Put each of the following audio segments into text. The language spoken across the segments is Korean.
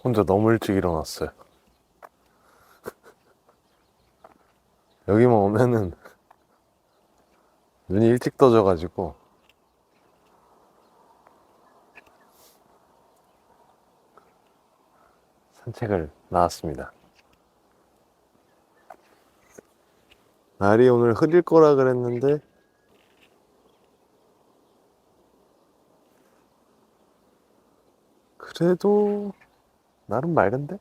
혼자 너무 일찍 일어났어요. 여기만 오면은 눈이 일찍 떠져가지고 산책을 나왔습니다. 날이 오늘 흐릴 거라 그랬는데 그래도 나름 맑은데?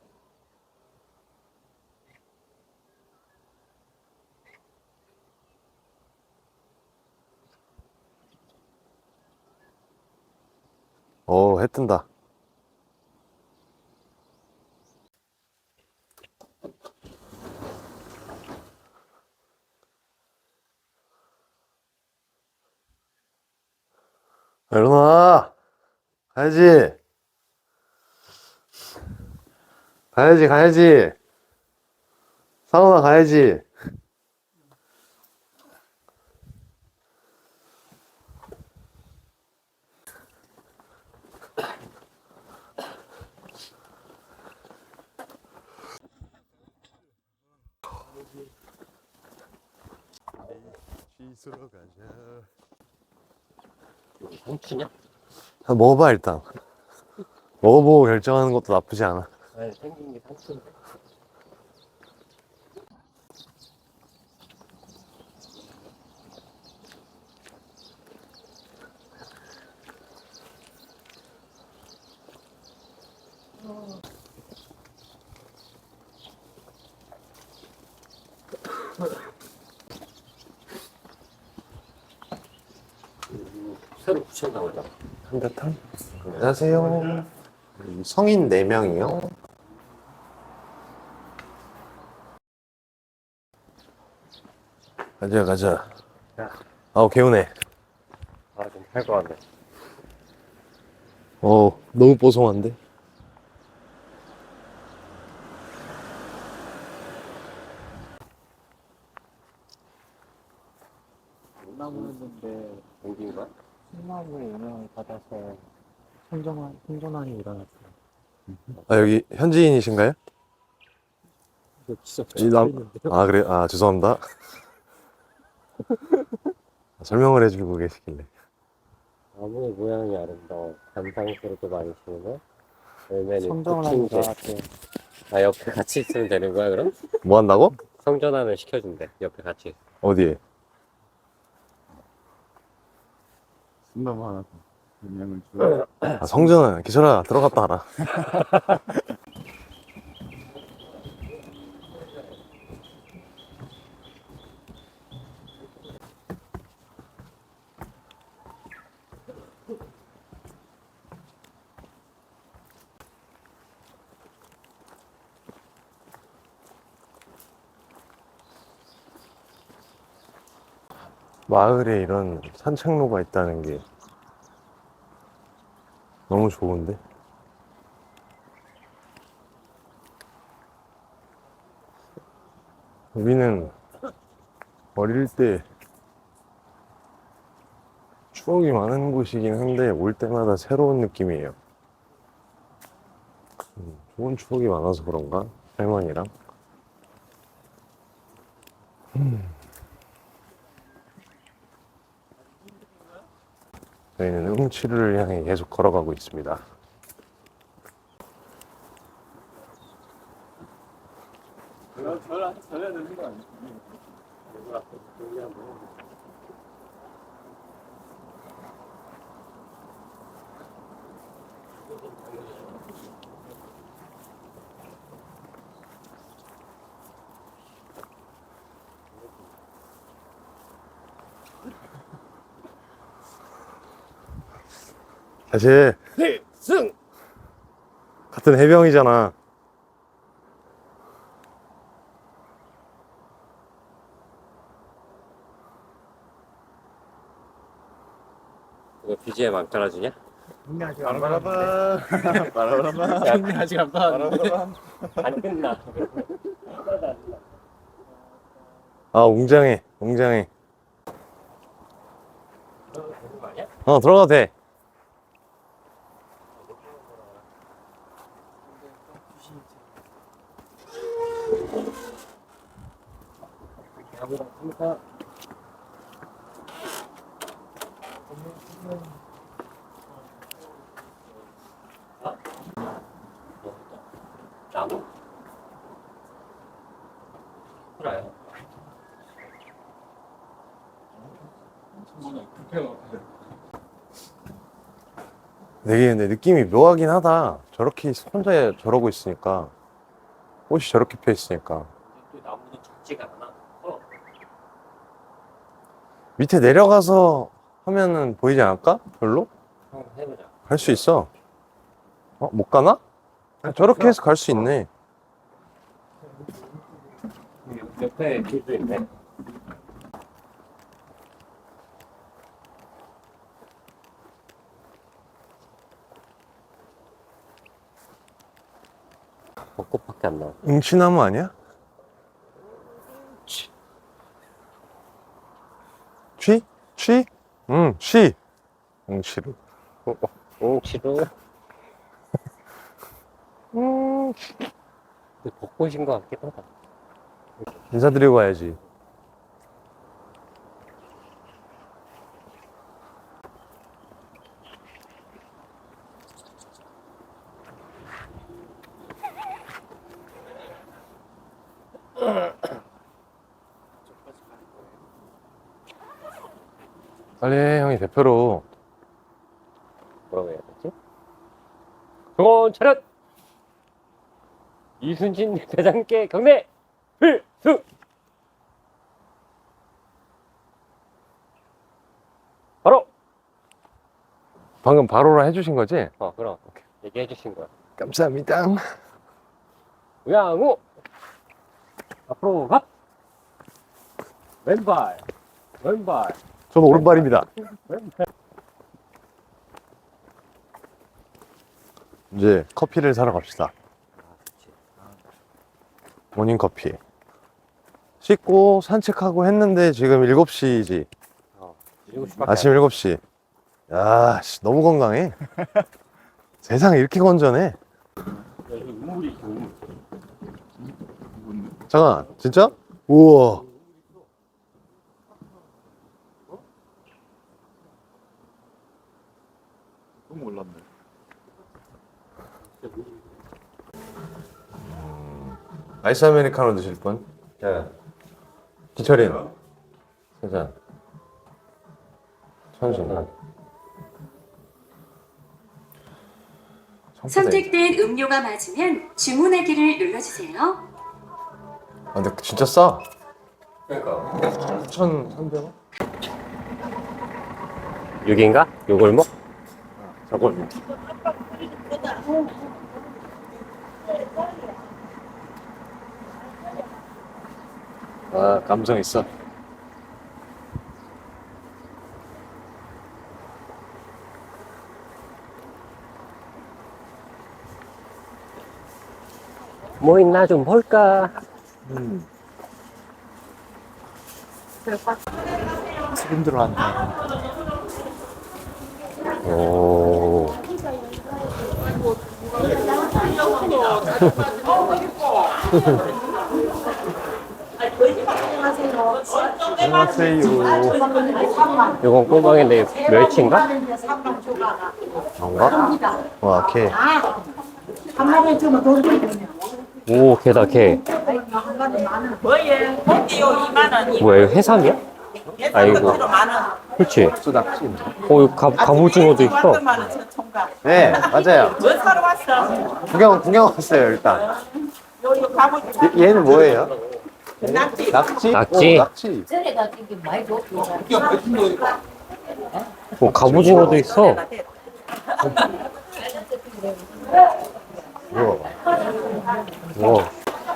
해 뜬다. 일어나! 가야지! 가야지! 사우나 가야지! 씻으러 가자. 삼키냐? 먹어봐, 일단. 먹어보고 결정하는 것도 나쁘지 않아. 아니, 생긴 게 삼키인데. 새로 붙였나 보다. 한바탕? 안녕하세요. 성인 4명이요. 가자. 야. 아우, 개운해. 아, 좀 할 거 같네. 너무 뽀송한데? 나무였는데, 여기인가? 소나무의 영향을 받아서 생존환이 일어났어요. 여기 현지인이신가요? 이거 진짜 이 붙여있는데요? 그래? 죄송합니다. 설명을 해주고 계시길래. 나무의 모양이 아름다워. 감상스럽게 많이 심으면 열매는 성장을 붙인 하니까 게. 아, 옆에 같이 있으면 되는 거야, 그럼? 뭐 한다고? 성전환을 시켜준대, 옆에 같이. 어디에? 순나무 하나 더 영향을 줘. 성전은 기철아 들어갔다 와라. 마을에 이런 산책로가 있다는 게 너무 좋은데? 여기는 어릴 때 추억이 많은 곳이긴 한데 올 때마다 새로운 느낌이에요. 좋은 추억이 많아서 그런가? 할머니랑. 저희는 응치를 향해 계속 걸어가고 있습니다. 전해야 되는 거 아니야? 사실 필승! 같은 해병이잖아. 이거 BGM 안 깔아주냐? 형님 아직 안 받았는데. 바라바라바. 형님 아직 안 받았는데. 안 끝나. 웅장해. 들어가도 돼. 나무? 그래요. 되게 근데 느낌이 묘하긴 하다. 저렇게 혼자 저러고 있으니까. 꽃이 저렇게 펴 있으니까. 또 나무는 적지가 않아. 밑에 내려가서 하면은 보이지 않을까? 별로? 한번 해보자. 갈 수 있어. 못 가나? 저렇게 해서 갈 수 있네. 옆에 길도 있네. 벚꽃밖에 안 나와. 응치나무 아니야? 취? 취? 응, 취. 응치로. 옹치로. 근데 벚꽃인 것 같기도 하다. 인사드리고 가야지. 빨리 해, 형이 대표로. 뭐라고 해야 되지? 정원 차렷! 이순신 대장께 경례! 필승! 바로! 방금 바로라 해주신 거지? 그럼. 얘기해 주신 거야. 감사합니다. 우양우! 앞으로 갑! 왼발! 왼발! 저도 오른발입니다. 왼발! 이제 커피를 사러 갑시다. 모닝커피. 씻고 산책하고 했는데 지금 7시지. 7시밖에 아침 7시. 야, 씨, 너무 건강해. 세상에 이렇게 건전해. 여기 우물이 있어, 우물. 잠깐, 진짜? 우와. 너무 몰랐네. 아이스 아메리카노 드실 분? 네. 기철이. 세잔. 천순. 선택된 음료가 맞으면 주문하기를 눌러주세요. 근데 진짜 싸. 그러니까. 9,300원? 6인가? 요골목? 저걸. 아, 감성 있어. 뭐 있나 좀 볼까? 지금 들어왔네. 오. 안녕하세요. 이건 꼬막인데 멸치인가? 뭔가? 와, 걔. 한 마리에 주면 돈 주거든요. 오, 개다, 개. 뭐예? 고기요 2만 원. 뭐야, 이거 해삼이야? 아이고. 만 원. 그렇지. 또 낚시. 오, 이거 갑오징어도 있어. 만원 저 총각. 네, 맞아요. 뭐 사러 왔어? 구경 왔어요, 일단. 요 갑오징어. 얘는 뭐예요? 낙지. 낙지? 낙지. 낙지. 전에가 이게 많이 줬고 오, 갑오징어도 있어. 우와. 와.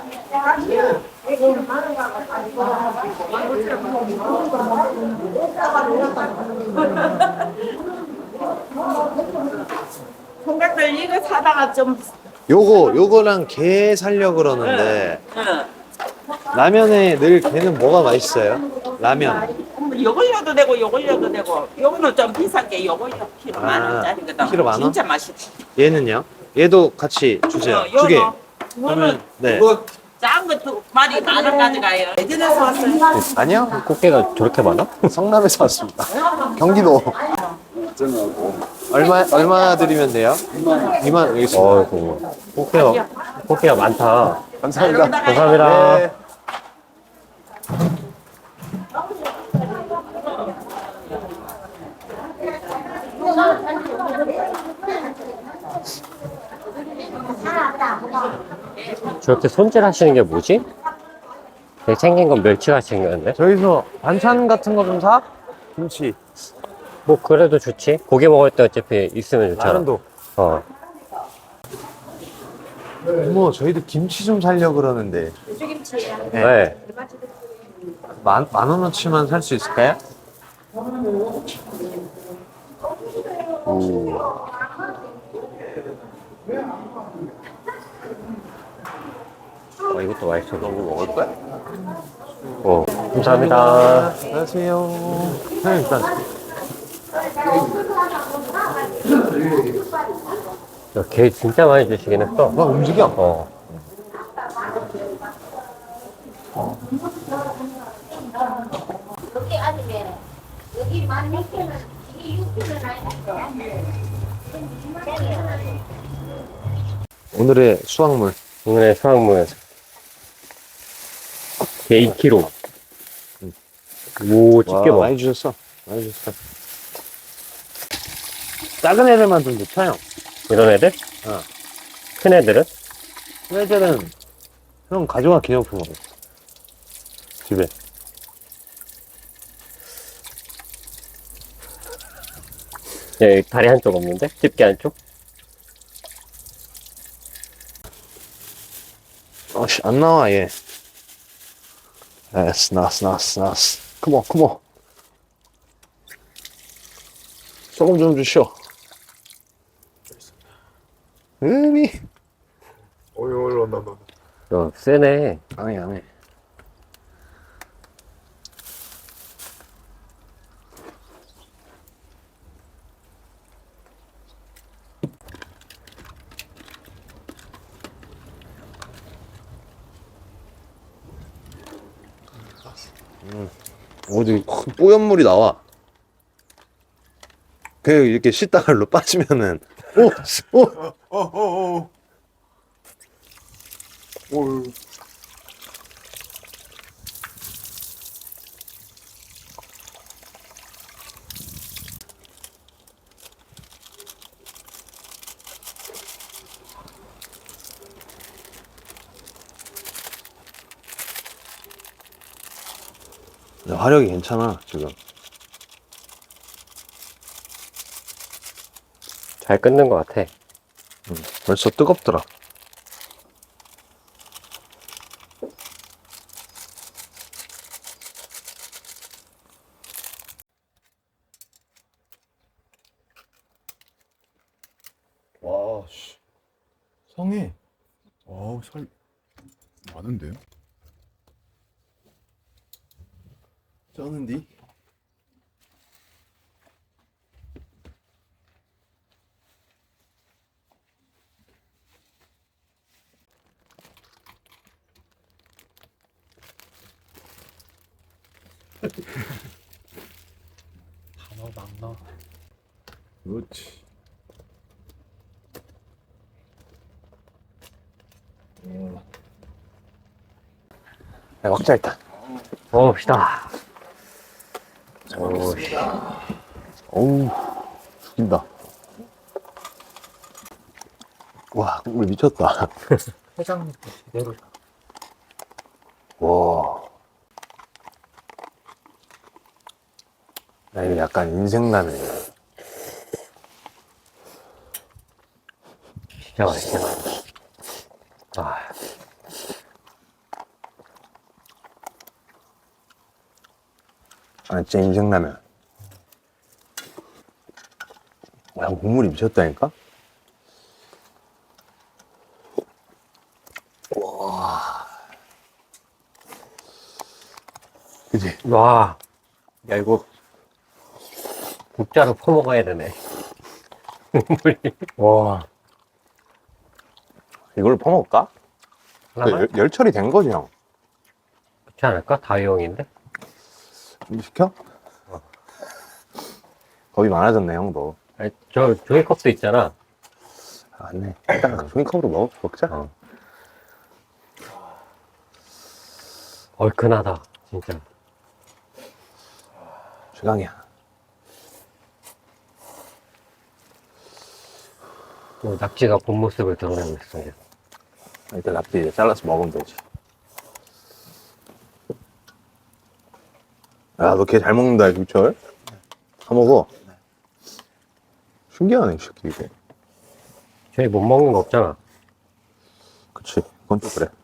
총각들 이거 사다가 좀. 요거랑 게 살려 그러는데 라면에 늘 게는 뭐가 맛있어요? 라면. 요걸려도 되고 요걸려도 되고. 요거는 좀 비싼 게 요걸려 키로 만 원짜리거든. 키로 만 원? 진짜 맛있어. 얘는요? 얘도 같이 주세요. 두 개. 요거는 네. 이거 작은 것도 말이 많은 가져가요. 예전에서 왔어요. 아니요. 꽃게가 저렇게 많아? 성남에서 왔습니다. 경기도. 얼마 드리면 돼요? 2만 여기 있습니다. 어이구. 꽃게가 많다. 감사합니다. 감사합니다. 네. 저렇게 손질 하시는 게 뭐지? 되게 생긴 건 멸치같이 생겼는데? 저기서 반찬 같은 거 좀 사? 김치. 뭐, 그래도 좋지. 고기 먹을 때 어차피 있으면 좋잖아. 라면도. 어. 어머, 저희도 김치 좀 살려고 그러는데. 네. 만 원어치만 살 수 있을까요? 오. 이것도 맛있어. 이거 먹을 거야? 감사합니다. 안녕하세요. 네, 일단. 야, 게 진짜 많이 주시긴 했어. 막 움직여. 어. 여기 아니면 여기 만 6개는 이게 6개는 아니니까. 오늘의 수확물. 오늘의 수확물. 게 2kg. 오, 집게 와, 봐. 많이 주셨어. 많이 주셨어. 작은 애들만 좀 넣자, 형. 이런 애들? 어. 큰 애들은? 큰 애들은 형 가져와 기념품으로. 집에. 예, 다리 한쪽 없는데? 집게 한쪽? 씨, 안 나와, 얘. 나스. 컴온. 소금 좀 주시오. 음이. 야, 세네. 안 해. 어디 뽀얀물이 나와. 그 이렇게 씻다갈로 빠지면은 화력이 괜찮아 지금. 잘 끊는 것 같아. 벌써 뜨겁더라. 와, 씨. 성해. 어우, 살 많은데요? 쩌는디? 그렇지. 야, 먹자 일단. 먹읍시다. 어우, 죽인다. 와, 국물 미쳤다. 해장국도 제대로. 와. 나 이거 약간 인생라면. 진짜 맛있다. 아, 진짜 인생라면. 야, 국물이 미쳤다니까? 와. 그치? 와. 야, 이거 국자로 퍼먹어야 되네. 국물이. 와. 이걸로 퍼먹을까? 하나만? 열 처리 된 거지, 형. 그렇지 않을까? 다이용인데? 좀 시켜? 겁이 많아졌네, 형도. 아니, 저 종이컵도 있잖아. 아, 맞네. 일단 종이컵으로 먹자. 얼큰하다, 진짜. 최강이야. 낙지가 본 모습을 드러내고 있어. 이제. 일단 납치 이제 잘라서 먹으면 되지. 야, 너 걔 잘 먹는다, 김철. 다 먹어. 신기하네, 이 새끼, 이거. 저희 못 먹는 거 없잖아. 그치. 그건 또 그래.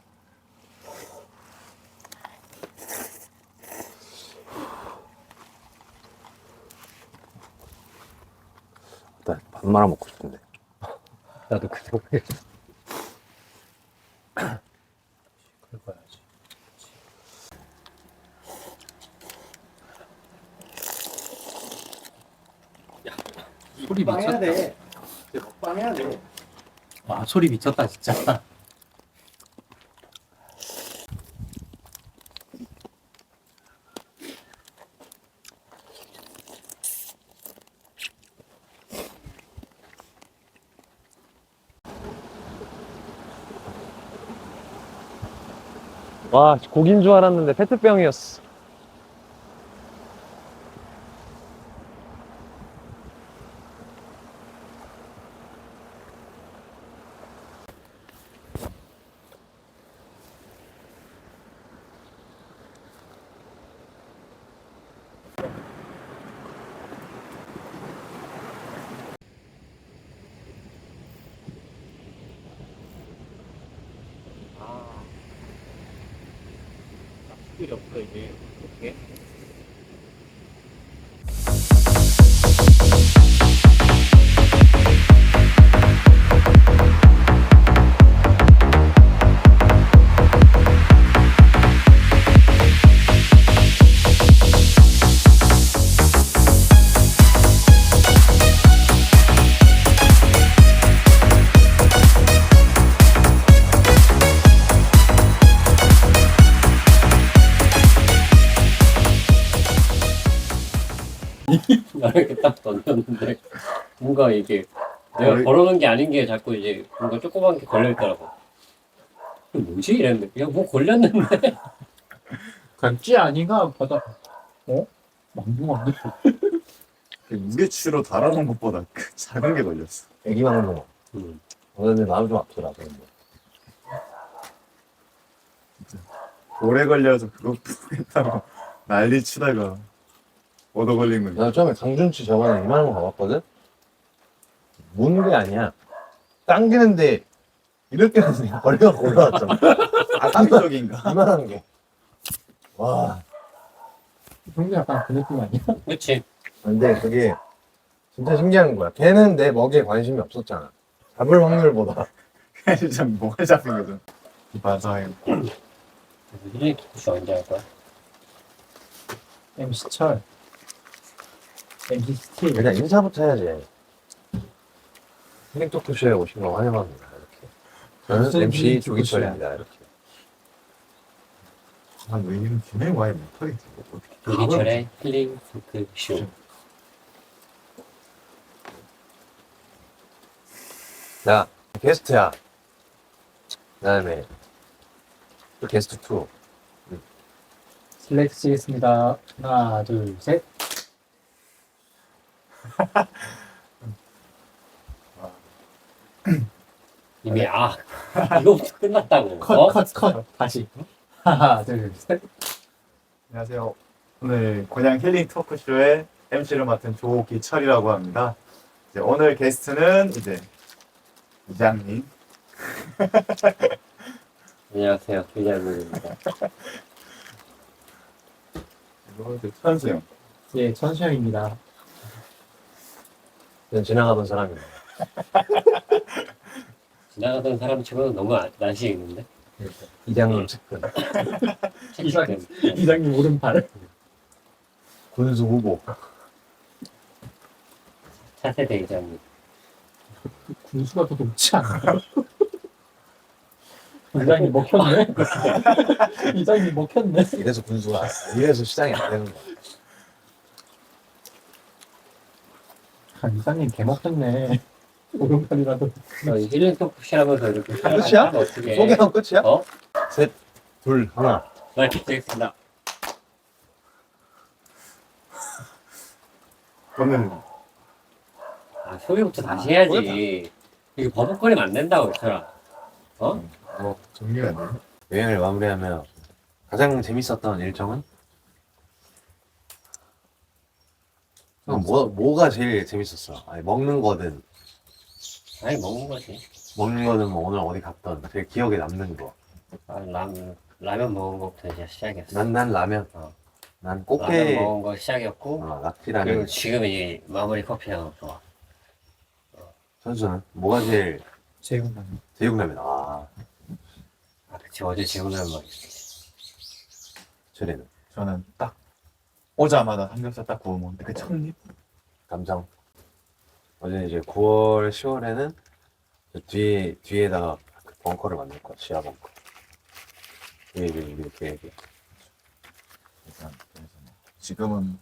일단 밥 말아 먹고 싶은데. 나도 그 생각했어. 긁어야지. 소리 미쳤다. 먹방 해야 돼. 와, 소리 미쳤다, 진짜. 와, 고긴 줄 알았는데 페트병이었어. 필요 없어, 이게. 어떻게? 나 이렇게 딱 던졌는데, 뭔가 이게, 내가 걸어놓은 게 아닌 게 자꾸 이제 뭔가 조그만 게 걸려있더라고. 이게 뭐지? 이랬는데, 야, 뭐 걸렸는데? 간찌 아니가 바다. 어? 망둥어인데? 무게추로 달아놓은 것보다 작은 게 걸렸어. 애기 망둥어. 근데 나도 좀 아프더라, 그런 거. 오래 걸려서 그거 푸겠다고 난리 치다가 얻어 걸린 거지. 나 처음에 강준치 저번에 이만한 거 가봤거든? 무는 게 아니야. 당기는데, 이렇게 해서 걸려갖고 올라왔잖아. 악의적인가? 이만한 게. 와. 형도 약간 그 느낌 아니야? 그치. 근데 그게 진짜 신기한 거야. 걔는 내 먹이에 관심이 없었잖아. 잡을 확률보다. 진짜 뭐가 잡힌 거죠. 맞아요. 힐링 토크쇼 언제 할 거야? MC 철. MC 스틸. 일단 인사부터 해야지. 힐링 토크쇼에 오신 거 환영합니다. 이렇게. 저는 무슨 MC 힐링 조기철입니다. 이렇게. 아, 너 이름 진행 와야 못하겠지. 어떻게. 이철의 힐링 토크쇼. 자, 게스트야. 그 다음에 또 게스트 2. 슬랙스 치겠습니다. 하나, 둘, 셋. 이미, 이거부터 끝났다고. 어? 컷. 다시. 하나, 둘, 셋. 안녕하세요. 오늘 곤양 힐링 토크쇼의 MC를 맡은 조기철이라고 합니다. 이제 오늘 게스트는 이제 이장님. 안녕하세요. 조장님입니다. 그리고 이제 천수형. 예, 천수형입니다. 그냥 지나가던 사람이야. 지나가던 사람 치고는 너무 낯이 익는데? 이장님 측근. 이장님 오른팔. 군수 후보. 차세대 이장님. 군수가 더 높지 않아? 이장님 먹혔네. 이장님 먹혔네. 이래서 군수가 이래서 시장이 안 되는 거야. 아, 이장님 개 먹혔네. 오른팔이라도. 힐링 토크시라면서 이렇게 끝이야? 어떻게 소개하면 끝이야? 어? 셋, 둘, 하나. 네, 되겠습니다. 저는 아, 소개부터 다시 해야지. 이게 버벅거리면 안 된다고, 있더라. 어? 뭐 정리가 안 되네. 여행을 마무리하며 가장 재밌었던 일정은? 뭐가 제일 재밌었어? 아니, 먹는 거든 아니, 먹는 거지. 먹는 거는 뭐 오늘 어디 갔던 제일 기억에 남는 거. 아, 라면 먹은 것부터 이제 시작이었어. 난 라면. 어. 난 라면 꽃게. 먹은 거 시작이었고, 그리고 낙지라면. 지금 이제 마무리 커피랑 좋아. 선수는 뭐가 제일 제육라면. 제육라면. 아, 그치. 어제 제육라면 먹었지. 저래는 저는 딱 오자마자 삼겹살 딱 구워 먹는데 그 첫입 감정. 어제 이제 9월, 10월에는 뒤에다가 그 벙커를 만들 거야. 지하 벙커. 이렇게. 그래서 지금은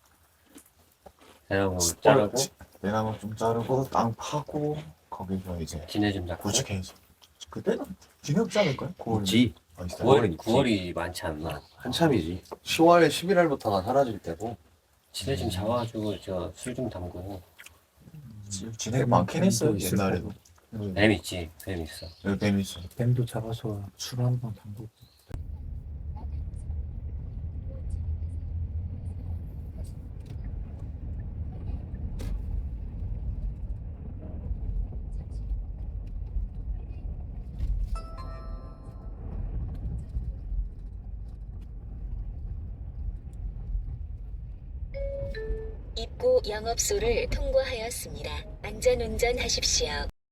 대나무 자르고, 대나무 좀 자르고 땅 파고 거기서 이제 지네 좀 잡고. 구축해서 그때는 진흙 않을까요? 9월 있지. 9월이, 9월이 많지 않나. 한참이지. 10월, 11월부터가 사라질 때고. 지네 좀 잡아가지고, 저 술 좀 담그고. 진흙 많긴 했어요 옛날에도. 뱀 있지. 뱀 있어. 여기 뱀 있어. 뱀도 잡아서 술 한번 담그고. 입구 영업소를 통과하였습니다. 안전운전하십시오.